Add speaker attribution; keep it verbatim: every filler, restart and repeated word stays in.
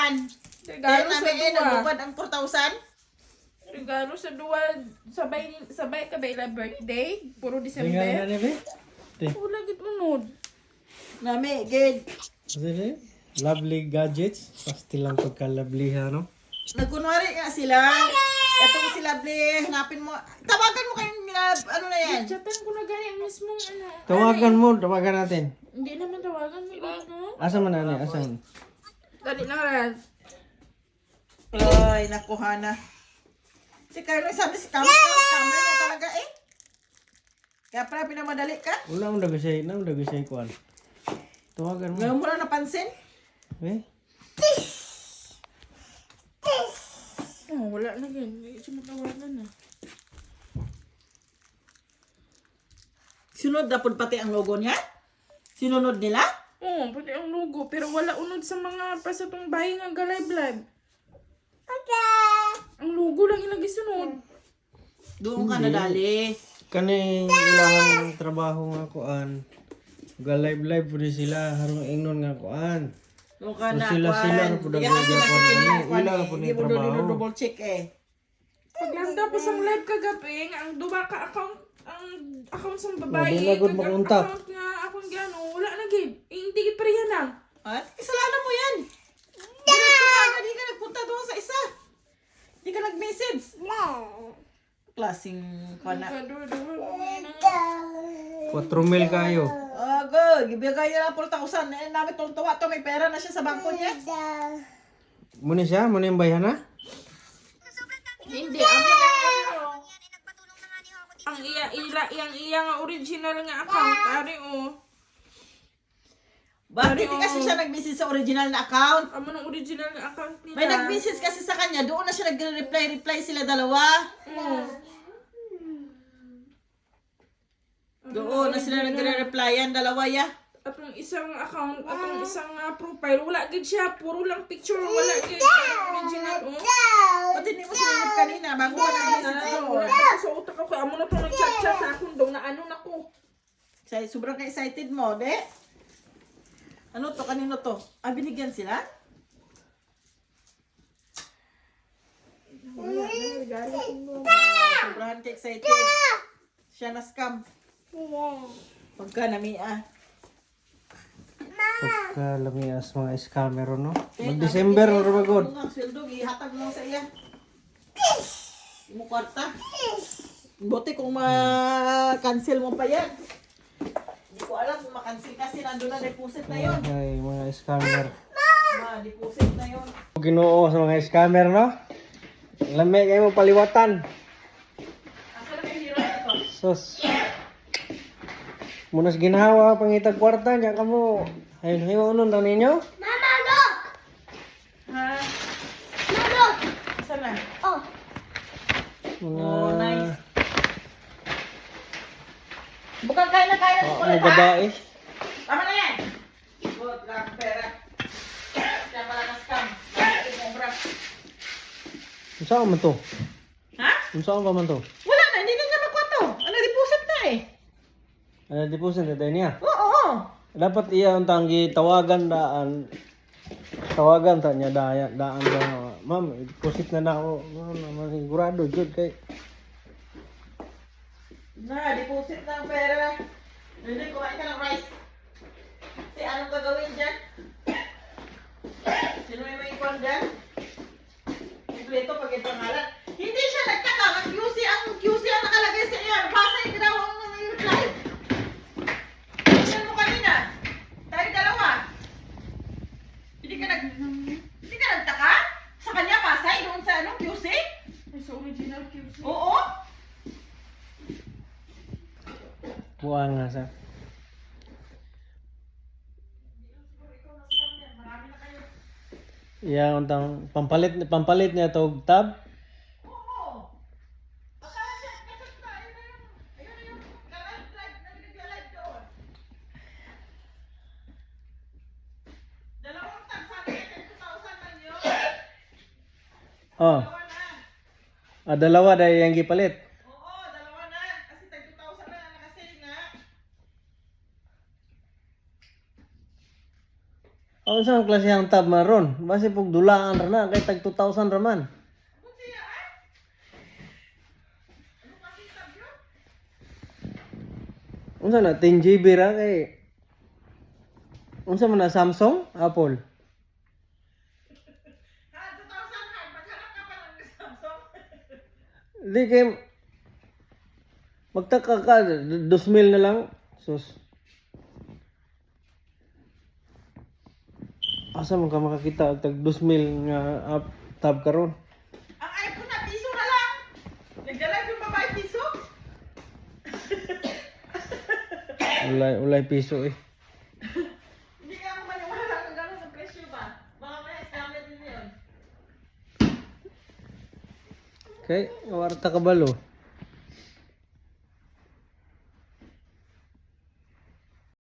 Speaker 1: yan.
Speaker 2: Regalo
Speaker 1: Kaya
Speaker 2: sa
Speaker 1: namin eh,
Speaker 2: duwa.
Speaker 1: nagbubad ang four thousand.
Speaker 2: Regalo sa duwa. Sabay, sabay ka ba ila birthday? Puro
Speaker 3: Tingnan
Speaker 2: December.
Speaker 3: na ni be. Te.
Speaker 2: Wala gid unod.
Speaker 1: Nami, gid.
Speaker 3: Sige. Lovely gadgets. Pastil lang pagka-lovely ha, no?
Speaker 1: Nagkunwari nga sila. Etong si Lovely, hanapin mo. Tawagan mo kayong, uh, ano na yan?
Speaker 2: Chatan ko na gani ang mismong ano.
Speaker 3: Tawagan mo, tawagan natin.
Speaker 2: Hindi naman tawagan mo ano.
Speaker 3: Asa man nani? Asan?
Speaker 2: Dali lang ran.
Speaker 1: Ay, nakuha na. Si Carlo, sabi si Camera, camera na talaga eh. Kaya pala pinamadali ka.
Speaker 3: Wala mo dagisay, na mo dagisay kuan. Tawagan mo.
Speaker 1: Ngayon mo na napansin.
Speaker 3: Eh?
Speaker 2: Oh, wala na gan. Hindi siya matawagan na.
Speaker 1: Sunod na po pati ang logo niya. Sinunod nila.
Speaker 2: Oo, pati ang logo. Pero wala unod sa mga pasatong bahay nga galay-blab. Ang logo lang ilagay sunod.
Speaker 1: Doon ka nadali.
Speaker 3: Kani ilang trabaho nga kuan. Ga live live pud sila harong ingnon nga kuan.
Speaker 1: Doon ka
Speaker 3: So,
Speaker 1: na.
Speaker 3: sila-
Speaker 1: kuwan.
Speaker 3: sila na po
Speaker 1: Hindi ka
Speaker 3: nagagawa
Speaker 1: kasi
Speaker 3: ko na
Speaker 1: nakikinig,
Speaker 3: ano,
Speaker 1: kuwan
Speaker 3: wala
Speaker 1: eh.
Speaker 3: na po
Speaker 1: Hindi mo
Speaker 3: trabaho.
Speaker 1: doon double check eh.
Speaker 2: Paglanda pa sa live kagabi, nga ang duwa ka account, ang account sa babae,
Speaker 3: Wala na gud
Speaker 2: kag ang
Speaker 3: makontak.
Speaker 2: account nga akong gano, wala na gid. Eh, hindi gid pareha lang.
Speaker 1: At kasalanan mo yan. Diretso ka agad, di ka nagpunta doon sa isa. Di ka nag-message. Klaseng kuwan na.
Speaker 3: four mil kayo.
Speaker 1: Oh, good. Ibigay niya lang four thousand. Eh, namin tuwa to. May pera na siya sa bangko niya.
Speaker 3: Muna siya, muna yung bayan ha?
Speaker 2: Hindi, ang ano, ang iya, ila, yang iya nga original nga account, ari o.
Speaker 1: Bakit hindi kasi siya nag-message sa original na account?
Speaker 2: Amo ng original nga account nila.
Speaker 1: May nag-message kasi sa kanya. Doon na siya nag-reply-reply sila dalawa.
Speaker 2: Mm.
Speaker 1: Doon na sila nagre-replyan, dalawa ya.
Speaker 2: Atong isang account, atong isang uh, profile, wala gid siya, puro lang picture, wala gid ang original o.
Speaker 1: Pati hindi mo sinunod kanina, bago ka nag-message
Speaker 2: Ah,
Speaker 1: doon.
Speaker 2: wala na sa utak ko, amo na to nag-chat-chat sa akong daw na ano na ko.
Speaker 1: Say, sobrang ka-excited mo, de? Ano to? Kanino to? Ah, binigyan sila? Sobrang ka-excited. Siya na scam. Pagka nami-ah.
Speaker 3: Pagka lamias mga scammer no? Mag-December or magod.
Speaker 1: Ano nga, sweldo, ihatag mo sa iya. Mo kwarta. Buti kung ma-cancel mo pa yan. Hindi ko alam kung ma-cancel kasi nandun na deposit na yon.
Speaker 3: Ay, mga scammer.
Speaker 1: Ma-deposit na yon.
Speaker 3: Ginoo sa mga scammer no? Lami kayo mo paliwatan.
Speaker 1: Asa na may hero ito?
Speaker 3: Sus. Munas ginawa pangitag kwarta nya kamo. Ayun, hayo unon daw ninyo.
Speaker 1: Ha? Asa na?
Speaker 3: Mga
Speaker 1: Oh, nice. Bukang kaya na kaya sa
Speaker 3: oh,
Speaker 1: kulit,
Speaker 3: mga
Speaker 1: ha?
Speaker 3: babae.
Speaker 1: Tama na yan. Good, lang pera. Kaya pala na-scam. Bakit mo, bra?
Speaker 3: Unsa man to?
Speaker 1: Ha?
Speaker 3: Unsa pa man to?
Speaker 1: Wala na, hindi na niya magkwato. Ano, deposit na eh.
Speaker 3: Ano deposit na tayo niya?
Speaker 1: Oo, oo.
Speaker 3: Dapat iya untang tawagan daan. Tawagan ta niya daya daan daw. Ma'am, deposit na na ako. Ano naman sigurado jud kay
Speaker 1: Na, deposit na ang pera. Hindi, kumain ka ng rice. Si anong gagawin dyan? Sino may may ikon dyan? Kompleto pag ito pangalan. Hindi siya nagtaka. Ang Q C, ang Q C ang nakalagay sa iyo. Basa yung ginawa mo ng reply. Yan mo kanina. Tayo dalawa. Hindi ka nag... Hindi ka nagtaka? Sa kanya, pasay doon sa anong Q C?
Speaker 2: Ay, sa original Q C.
Speaker 1: Oo.
Speaker 3: buwan nga sa. Iya untang pampalit pampalit niya tog tab.
Speaker 1: Oo. Akala siya, kapag na, ayun na yung, ayun na yung, nag-live, nag-live doon. Dalawang tag, sabi niya, ten thousand lang yun.
Speaker 3: Oh,
Speaker 1: Dalawa na.
Speaker 3: ah, dalawa dahil yang gipalit.
Speaker 1: Oo, dalawa na. Kasi tag two thousand na lang nakasale nga.
Speaker 3: Oh, Unsa ang klase ang tab maron? Base pug dulaan ra na kay tag two thousand ra man.
Speaker 1: Ano siya, ah? Ano kasi tab yun?
Speaker 3: Unsa na ten G B ra kay unsa man na Samsung, Apple.
Speaker 1: Ha, two thousand ha. Maghanap ka pa ng Samsung.
Speaker 3: Di kay magtaka ka two mil na lang. Sus. Asa man ka makakita og tag two mil nga up tab karon?
Speaker 1: Ang iPhone na piso na lang. Nagdala yung babae piso.
Speaker 3: Ulay ulay piso eh.
Speaker 1: Hindi ka ako maniwala kung gano'n ang presyo ba? Baka may scammer din yun.
Speaker 3: Kay warta ka balo.